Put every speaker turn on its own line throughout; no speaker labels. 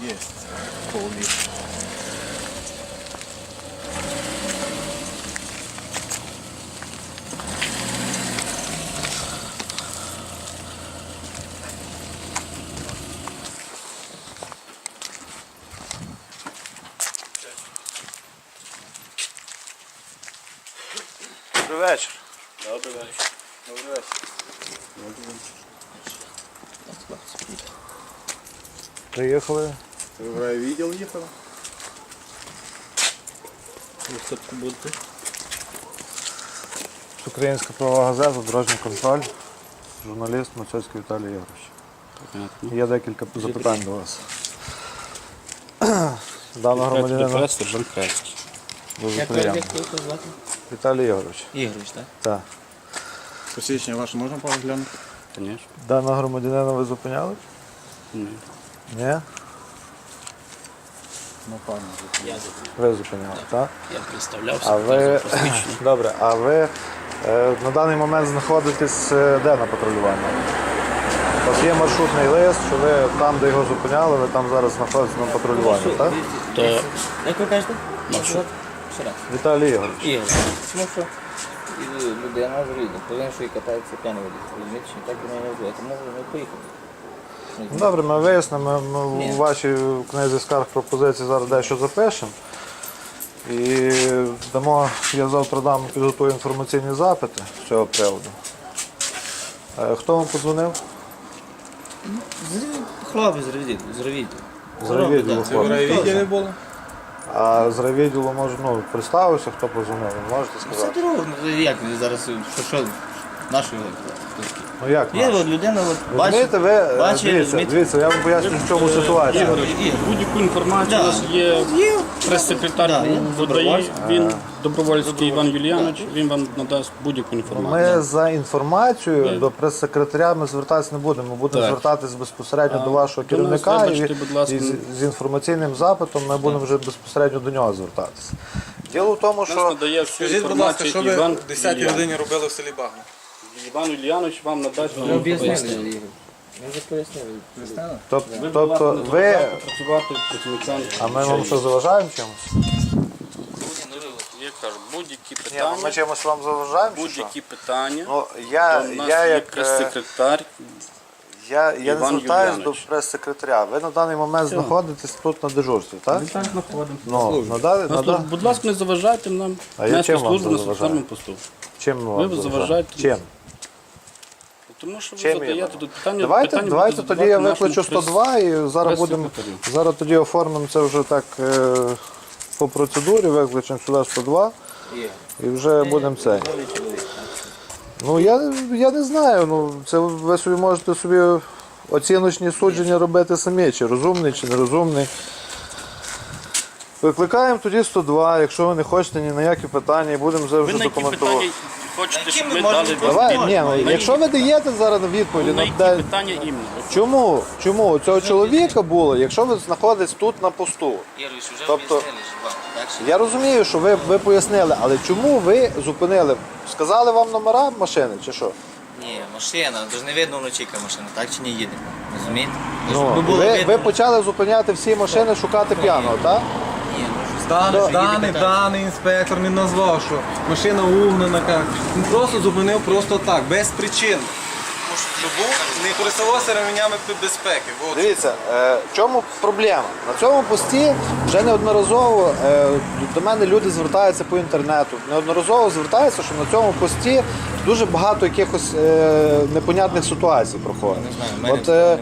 Є. Повний.
Добрий вечір.
Добрий вечір.
Добрий вечір. Приїхали.
Ви в райвідділ їхали?
Ви хто будете?
Українська правова газета, дорожній контроль, журналіст Мацьоцький Віталій Ігорович.
Понятно.
Є декілька запитань до вас. Даного громадянина
Сержант Крайський.
дуже
Як
приємно.
ви звати?
Віталій Ігорович.
Ігорович, так?
Так.
Посвідчення ваше можна поглянути?
Звісно.
Даного громадянина ви зупиняли?
Ні.
Ні?
Напевно.
Я
Ви зупиняли, так?
представлявся.
А ви... Добре, а ви на даний момент знаходитесь де на патрулюванні? У вас є маршрутний лист, що ви там, де його зупиняли, ви там зараз знаходитесь на патрулюванні, так?
То
Як ви кажете?
Маршрут.
Ще раз.
Віталій Ігорович.
Ігор. Тому що людина з рідом, повинен, що і катається п'яний водій. Розумієте, що так і не називає. Тому ми поїхали.
Добре, ми вияснимо, ми
Ні.
у вашій книзі скарг пропозицій зараз дещо запишемо. І дамо, я завтра підготую інформаційні запити з цього приводу. Хто вам подзвонив?
Хлопець з ревідділу.
З райвідділу
Це в райвідділі було?
А з райвідділу, може, представився, хто подзвонив, ви можете
Все
сказати?
дорого. Як ви зараз, що нашої
Ну як
Є
наш?
от людина, от
Розумієте, ви, дивіться, я вам поясню, в чому ситуація.
Ігор.
будь-яку інформацію у нас є прес-секретар
Да, є
ВДАІ,
добровольський.
він Добровольський Іван Юліанович, він вам надасть будь-яку інформацію.
Ми за інформацією до прес-секретаря ми звертатися не будемо. Ми будемо
Так.
звертатися безпосередньо до вашого
до нас,
керівника
вибачте, будь ласка.
і з інформаційним запитом ми будемо вже безпосередньо до нього звертатися. Діло в тому,
Нас
що
надає всю
Скажіть, будь ласка,
інформацію
що ви
Іван
в 10-й
Юліанович.
годині робили в селі Багно?
Іван Юліанович вам надасть
Ми
вам
об'яснили,
пояснення.
Ігор. Ми вже пояснили.
тобто
Ви, будь ласка, не
ви,
заважайте працювати працівникам.
а ми вам що заважаємо чимось?
Я кажу, будь-які
Ні, ну,
питання,
ми чимось вам заважаємо? чи що?
будь-які питання.
Ну,
То
я
в нас
я
є
як
прес-секретар.
я не
Іван
звертаюсь до
Юліанович.
прес-секретаря. Ви на даний момент знаходитесь тут на дежурстві, так?
Ми так знаходимо.
Ну,
Будь ласка, не заважайте нам
А я
нести
чим вам
службу на
заважаю?
соціальному посту.
чим ми вам
Ви
заважаємо?
заважаєте.
Чим?
Тому що ви
Чим я
задаєте
вам?
тут питання.
Давайте
питання
тоді
будете
я
задавати
викличу
нашому
102 і зараз тоді оформимо це вже так по процедурі, викличемо сюди 102 і вже будемо це. Ну я не знаю, ну це ви собі можете собі оціночні судження робити самі, чи розумний, чи нерозумний. Викликаємо тоді 102, якщо ви не хочете ні на які питання, і будемо вже
Ви на які
документувати.
питання хочете, щоб
ми
ми
можемо
дали
Давай,
відповідь?
ні, ну,
На
якщо ви даєте зараз відповіді,
на які
де-
питання іменно?
чому? Чому у цього чоловіка було, якщо ви знаходитесь тут на посту?
Ігорович, вже
Тобто-
об'яснили ж вам. Так що
Я розумію, що ви пояснили, але чому ви зупинили? Сказали вам номера машини чи що?
ні, машина, то ж не видно вночі, яка машина, так чи не їде? Розумієте? Тож
Ну,
би було
ви
видно.
почали зупиняти всі машини, шукати п'яного, так?
Ні, ну що
Даний інспектор не назвав, що машина угнана. Він просто зупинив просто так, без причин. Щоб не користувався ременями безпеки. От.
Дивіться, в чому проблема? На цьому пості вже неодноразово до мене люди звертаються по інтернету. Неодноразово звертаються, що на цьому пості дуже багато якихось непонятних ситуацій проходить.
Не знаю, в мене
От
немає.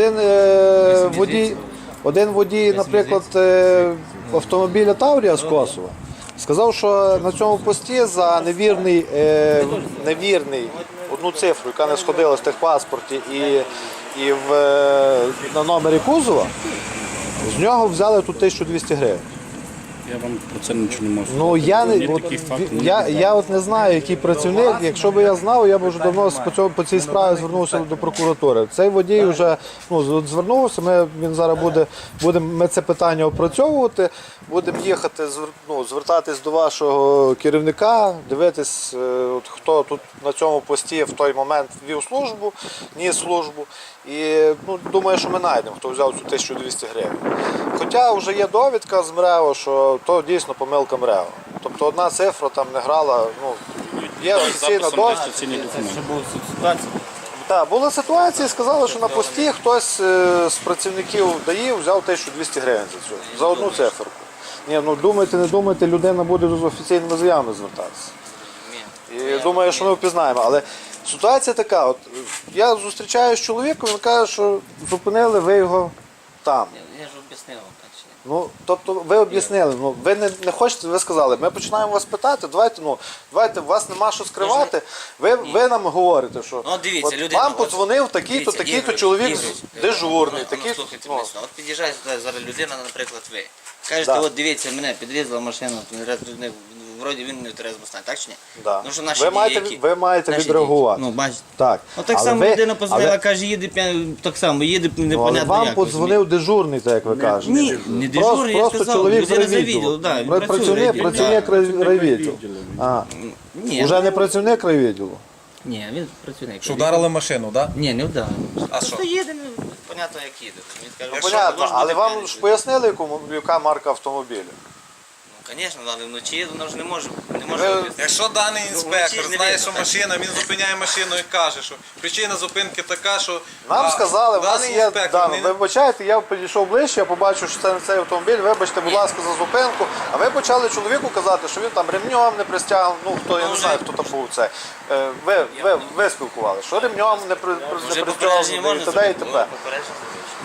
один водій, наприклад, автомобіля Таврія з Косова, сказав, що на цьому пості за невірний одну цифру, яка не сходилась в техпаспорті і на номері кузова, з нього взяли тут 1200 гривень.
Я вам про це нічого не можу.
Ну я не
Ні
от,
таких фактів, ні
я от не знаю, який працівник. Якщо б я знав, я б вже давно по цій справі звернувся до прокуратури. Цей водій вже звернувся. Він зараз ми це питання опрацьовувати. Будемо їхати, звертатись до вашого керівника, дивитись, хто тут на цьому пості в той момент вів службу, ніс службу. І думаю, що ми знайдемо, хто взяв цю 1200 гривень. Хоча вже є довідка з МРЕО, що то дійсно помилка МРЕО. Тобто одна цифра там не грала, є офіційна довідка.
Офіційний документ.
Це була ситуація.
Так, була ситуація, сказали, що на пості хтось з працівників ДАІ взяв 1200 гривень за одну циферку. Ні, думайте, не думайте, людина буде з офіційними заявами звертатися. І думаю, що ми впізнаємо. Але ситуація така, от я зустрічаюся з чоловіком, він каже, що зупинили ви його там.
Я ж об'яснив вам так чи ні.
Тобто ви об'яснили, ви не хочете, ви сказали, ми починаємо вас питати, давайте, у вас нема що скривати, ви нам говорите, що
Дивіться,
от
людина,
вам подзвонив такий-то,
дивіться,
такий-то
Ігор,
чоловік
Ігор,
дежурний,
Слухайте мене, от під'їжджає сюди зараз людина, наприклад, ви. Кажете,
Да.
от дивіться, мене підрізала машина, вроді він не в трезвому стані, так чи ні?
Да.
Ну, що наші
Ви маєте
наші
відреагувати.
дії. Бачите.
Так.
Так
Але
само
ви-
людина позвонила,
але-
каже, їде п'яний, так само, їде
Але
непонятно
вам
як.
подзвонив дежурний, так як ви кажете.
Ні, не дежурний, я
Просто
сказав,
чоловік з
людина з
райвідділу.
райвідділу, да, він працює в
Працівник
райвідділі,
райвідділу.
Ні,
Уже не працівник райвідділу.
Ні, він працівник.
Що вдарили машину, так?
Ні, не вдарили.
А
Просто
що?
їде, понятно, як їде. Він каже,
Понятно,
може
але
бути
вам
п'яний,
ж
що-
пояснили, яка марка автомобіля?
Звісно, але вночі воно ж не може
Ви-
об'яснити.
Якщо даний інспектор
вночі ж не
знає,
видно,
що
так.
машина, він зупиняє машину і каже, що причина зупинки така, що
Нам сказали, у вас
даний
є
інспектор
дані. Ви вибачаєте, я підійшов ближче, я побачив, що це не цей автомобіль, вибачте, будь ласка, за зупинку. А ви почали чоловіку казати, що він там ремнем не пристягнув, я не знаю, хто там був це. Ви спілкували, що ремнем не
Вже
пристягнув,
попередження
і
можна
т.д. і т.п.
Попередження.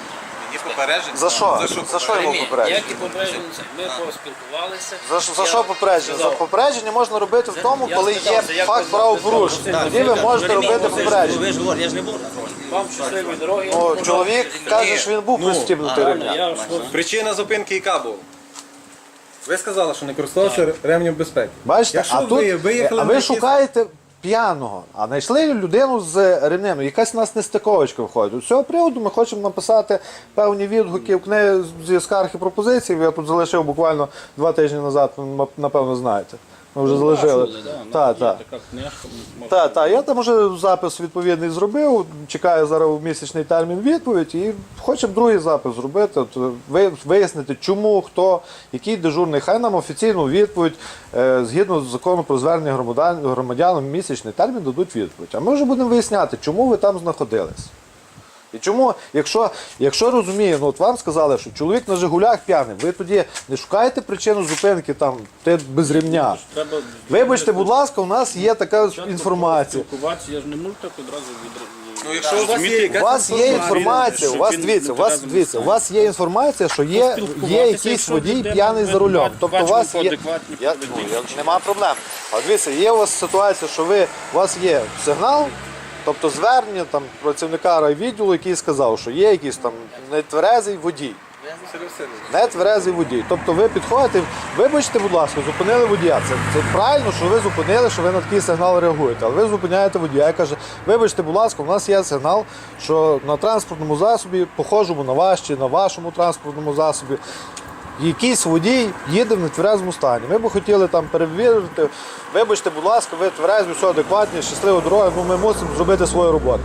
є попередження.
За що? За що йому попередження?
Як і попередження, ми поспілкувалися.
За що попередження? За попередження можна робити в тому,
я
коли є
спитався, як
факт
ви
правопорушення. Тоді ви можете робити попередження.
Ви ж говорите, я ж не був на фронті.
Вам щасливої дороги.
Чоловік каже, що він був пристібнутий ремнем.
Я ж
Причина зупинки яка була? Ви сказали, що не користувався ремнем безпеки.
Бачите,
Якщо
а
ви
тут
виїхали
а
на
ви
якісь-
шукаєте п'яного, а знайшли людину з ремнем. Якась у нас нестиковочка виходить. З цього приводу ми хочемо написати певні відгуки в книги зі скарг і пропозицій. Я тут залишив буквально 2 тижні назад, ви, напевно, знаєте. Ми вже залишили. Так.
Така книжка.
Так, я там вже запис відповідний зробив, чекаю зараз місячний термін відповідь і хочемо другий запис зробити, вияснити, чому, хто, який дежурний, хай нам офіційну відповідь, згідно з закону про звернення громадянам, місячний термін дадуть відповідь. А ми вже будемо виясняти, чому ви там знаходились. І чому, якщо розумію, от вам сказали, що чоловік на «Жигулях» п'яний, ви тоді не шукаєте причину зупинки там, без ремня. Вибачте, будь ласка, у нас є така інформація.
Спілкуватися, я ж не можу так одразу
Ну, якщо у вас є
У вас є інформація, у вас є інформація, що є якийсь водій п'яний за рулем. Тобто у вас є. Нема проблем. А дивіться, є у вас ситуація, що у вас є сигнал, тобто звернення там працівника райвідділу, який сказав, що є якийсь там нетверезий водій. Нетверезий водій. Тобто ви підходите, вибачте, будь ласка, зупинили водія. Це правильно, що ви зупинили, що ви на такий сигнал реагуєте. Але ви зупиняєте водія і каже, вибачте, будь ласка, у нас є сигнал, що на транспортному засобі, похожому на ваш чи на вашому транспортному засобі, якийсь водій їде в нетверезому стані. Ми б хотіли там перевірити, вибачте, будь ласка, ви тверезі, все адекватні, щаслива дорога, ми мусимо зробити свою роботу.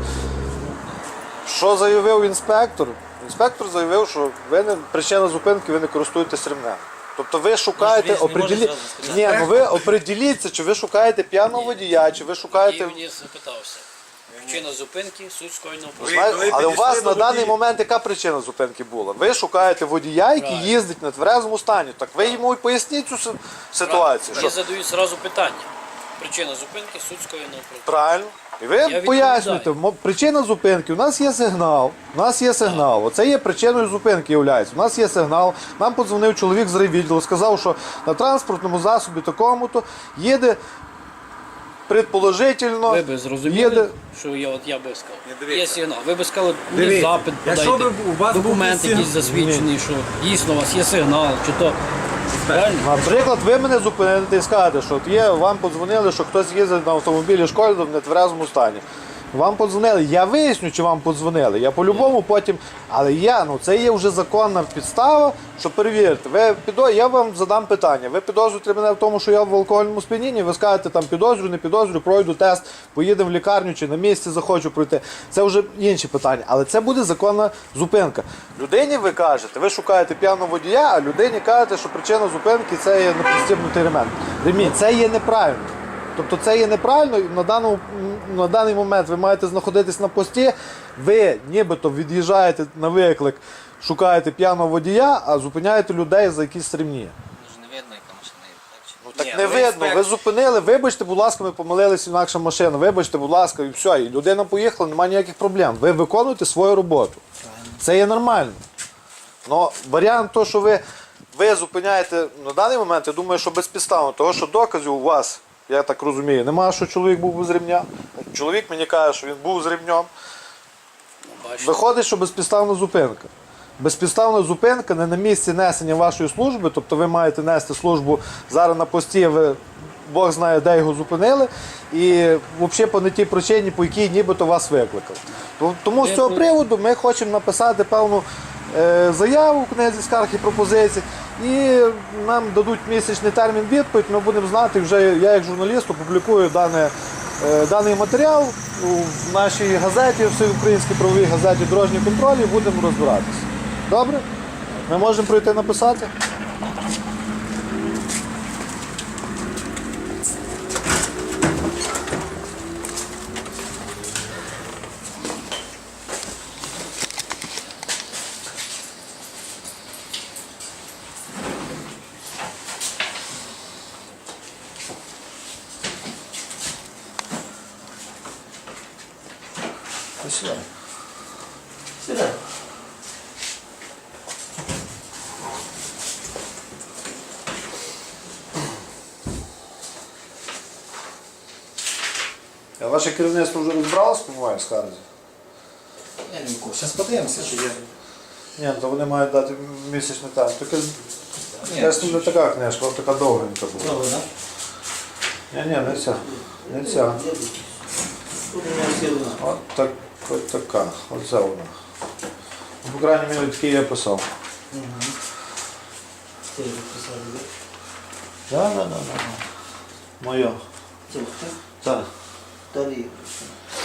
Що заявив інспектор? Інспектор заявив, що причина зупинки, ви не користуєтесь ремнем. Тобто ви шукаєте, ви определіться, чи ви шукаєте п'яного водія, чи ви шукаєте...
і мені запитався. Причина зупинки, суть скоєного
Знаєте, але у вас на даний момент яка причина зупинки була? Ви шукаєте водія, який їздить на тверезому стані. Так ви йому і поясніть цю ситуацію.
Я задаю одразу питання. Причина зупинки, суть скоєного правопорушення.
Правильно. І ви пояснюєте, причина зупинки, у нас є сигнал, оце є причиною зупинки, являється. У нас є сигнал, нам подзвонив чоловік з райвідділу, сказав, що на транспортному засобі такому-то їде, предположительно,
Ви б зрозуміли, що я би сказав. Є сигнал. Ви б сказали, мені запит
якщо
подайте,
б у вас був
документ
якийсь
якийсь засвідчений, що дійсно у вас є сигнал, чи то Правильно?
Наприклад, ви мене зупините і скажете, що от є, вам подзвонили, що хтось їздить на автомобілі шкоди в нетверезому стані. Вам подзвонили, я виясню, чи вам подзвонили. Я по-любому потім. Але це є вже законна підстава, що перевірити. Я вам задам питання. Ви підозрюєте мене в тому, що я в алкогольному сп'янінні, ви скажете, там підозрюю, не підозрюю, пройду тест, поїдемо в лікарню чи на місці захочу пройти. Це вже інші питання. Але це буде законна зупинка. Людині ви кажете, ви шукаєте п'яного водія, а людині кажете, що причина зупинки це є непристібнутий ремінь. Це є неправильно. Тобто це є неправильно, і на даний момент ви маєте знаходитись на пості, ви нібито від'їжджаєте на виклик, шукаєте п'яного водія, а зупиняєте людей за якісь ремні.
Ж не видно, яка машина є. Так, чи?
Ну так
Ні,
не
ви
видно,
інспектор.
ви зупинили, вибачте, будь ласка, ми помилилися, інакша машина, вибачте, будь ласка, і все, і людина поїхала, немає ніяких проблем. Ви виконуєте свою роботу. Це є нормально. Но варіант того, що ви зупиняєте на даний момент, я думаю, що безпідставно, тому що доказів у вас, я так розумію, немає, що чоловік був без ремня. Чоловік мені каже, що він був з ремнем.
Бачите.
Виходить, що безпідставна зупинка. Безпідставна зупинка не на місці несення вашої служби, тобто ви маєте нести службу зараз на пості, Бог знає, де його зупинили, і взагалі по не тій причині, по якій нібито вас викликали. Тому з цього приводу ми хочемо написати певну заяву в книзі скарг і пропозицій, і нам дадуть місячний термін відповідь, ми будемо знати, вже я як журналіст опублікую даний матеріал в нашій газеті, всеукраїнській правовій газеті «Дорожній контроль» і будемо розбиратися. Добре? Ми можемо пройти написати? Сідай. Сідай. А ваше керівництво вже розбралось, по-моєму, скарзі?
Я не курс. Зараз подивимося, чи є.
Ні, то вони мають дати місячний термін. Це не така книжка, вона така довгенька була.
Добре, так?
Ні, не ця. Не ця.
Тут у мене всі одна.
От така. Оце вона. Ну, по крайній мірі, такий я писав.
Це я підписав.
Так. Моє.
Це
Так.
далі.